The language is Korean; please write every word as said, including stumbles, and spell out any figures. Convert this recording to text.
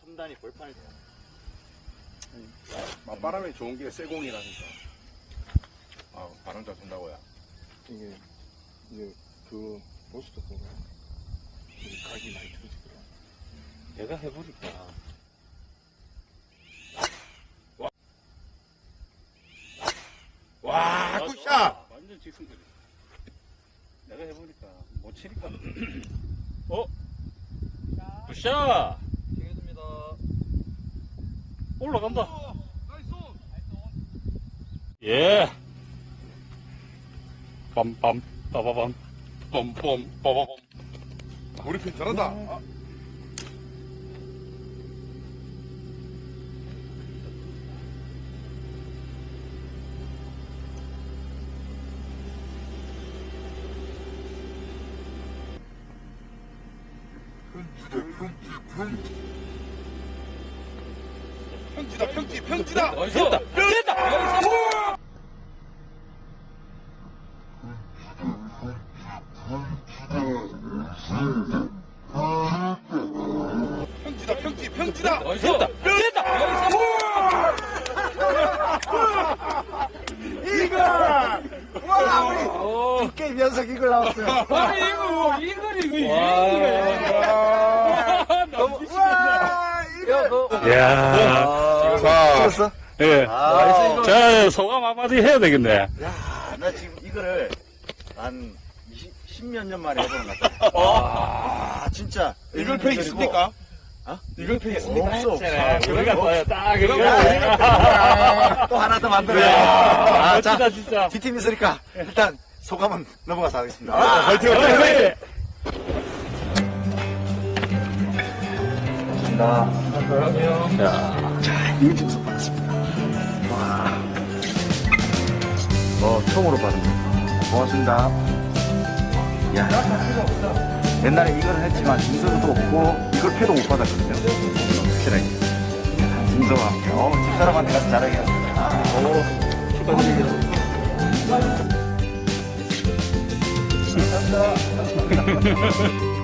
삼 단이 벌판이 맞바람이 좋은 게 쇠공이라니까. 아, 바람 잘 분다고요. 이게 이제 그 보스도 보고 이게 각이 많이 틀어지더라. 내가 해보니까 와, 굿샷! 완전 직승거리. 내가 해보니까 못 치니까. 어? 굿샷! 되겠습니다. 올라간다. 예. 빰빰, 빠바밤, 빰빰, 빠바밤. 우리 편 잘한다. 아, 평지다, 평지, 평지다! 됐다! 됐다! 평지다, 평지, 평지다! 됐다! 됐다! 이걸! 와, 우리 두 게임 연속 이걸 나왔어요. 아, 이거, 이거, 이거, 이거. 와, 이거! 야 자, 찍었어? 예. 아, 자, 소감 한마디 해야 되겠네. 야, 나 지금 이거를 한 십몇 년 만에 해보는 것 같아. 아, 진짜. 이글 팩 있습니까? 어? 이글 팩 있습니까? 없어, 없어. 우리가 또 딱, 이거. 또 하나 더 만들어요. 아, 아, 자, 멋지다, 진짜. D팀 있으니까 일단 소감은 넘어가서 하겠습니다. 아, 화이팅, 화이팅, 화이팅! 이민증서 받았습니다. 와. 어, 처음으로 받습니다. 고맙습니다. 야. 옛날에 이걸 했지만 증서도 없고 이걸 패도 못 받았거든요. 확실하게. 증서가. 어, 집사람한테 가서 자랑해야겠다. 오, 축하드립니다. 감사합니다.